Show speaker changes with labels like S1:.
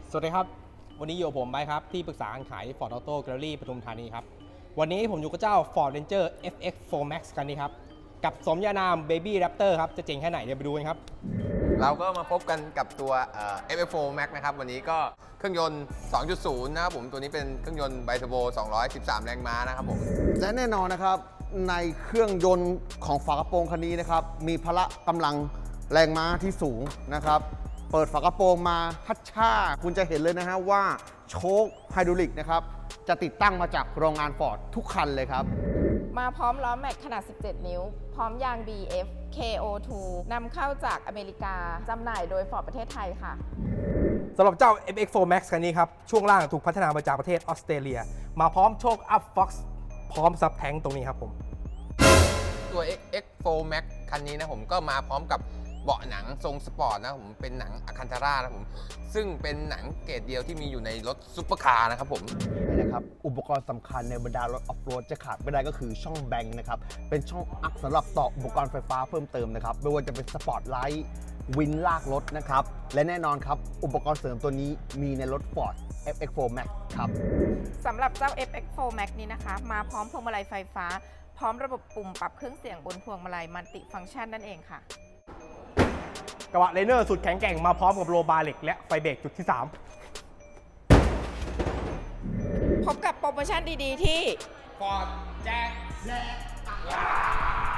S1: สวัสดีครับวันนี้อยู่กับผมไบค์ครับที่ปรึกษาการขาย Ford Auto Gallery ปทุมธานีครับวันนี้ผมอยู่กับเจ้า Ford Ranger FX4 Max คันนี้ครับกับสมญานาม Baby Raptor ครับจะเจ๋งแค่ไหนเดี๋ยวไปดูกันครับ
S2: เราก็มาพบกันกับตัว FX4 Max นะครับวันนี้ก็เครื่องยนต์ 2.0 นะครับผมตัวนี้เป็นเครื่องยนต์ไบเทอร์โบ213 แรงม้านะครับผม
S3: และแน่นอนนะครับในเครื่องยนต์ของฝากระโปรงคันนี้นะครับมีพละกำลังแรงม้าที่สูงนะครับเปิดฝากระโปรงมาฮัชช่าคุณจะเห็นเลยนะฮะว่าโชคไฮดรอลิกนะครับจะติดตั้งมาจากโรงงานฟอร์ดทุกคันเลยครับ
S4: มาพร้อมล้อแม็กขนาด 17 นิ้ว พร้อมยาง BF KO2 นำเข้าจากอเมริกาจำหน่ายโดยฟอร์ดประเทศไทยค่ะ
S1: สำหรับเจ้า FX4 Max คันนี้ครับช่วงล่างถูกพัฒนามาจากประเทศออสเตรเลียมาพร้อมโชค Up Fox พร้อมซับแทงตรงนี้ครับผม
S2: ตัว FX4 Max คันนี้นะผมก็มาพร้อมกับเบาะหนังทรงสปอร์ตนะผมเป็นหนังอะคันธาร่านะผมซึ่งเป็นหนังเกรดเดียวที่มีอยู่ในรถซุปเปอร์คาร์นะครับผม
S3: นะครับอุปกรณ์สำคัญในบรรดารถออฟโรดจะขาดไม่ได้ก็คือช่องแบงค์นะครับเป็นช่องอักสำหรับต่ออุปกรณ์ไฟฟ้าเพิ่มเติมนะครับไม่ว่าจะเป็นสปอร์ตไลท์วินลากรถนะครับและแน่นอนครับอุปกรณ์เสริมตัวนี้มีในรถ Ford FX4 Max ครับ
S4: สำหรับเจ้า FX4 Max นี้นะคะมาพร้อมพวงมาลัยไฟฟ้าพร้อมระบบปุ่มปรับเครื่องเสียงบนพวงมาลัยมัลติฟังก์ชันนั่นเองค่ะ
S1: กระบะเลเนอร์สุดแข็งแกร่งมาพร้อมกับโลบาร์เหล็กและไฟเบรกจุดที่
S4: พบกับโปรโมชั่นดีๆที่
S1: Ford แจก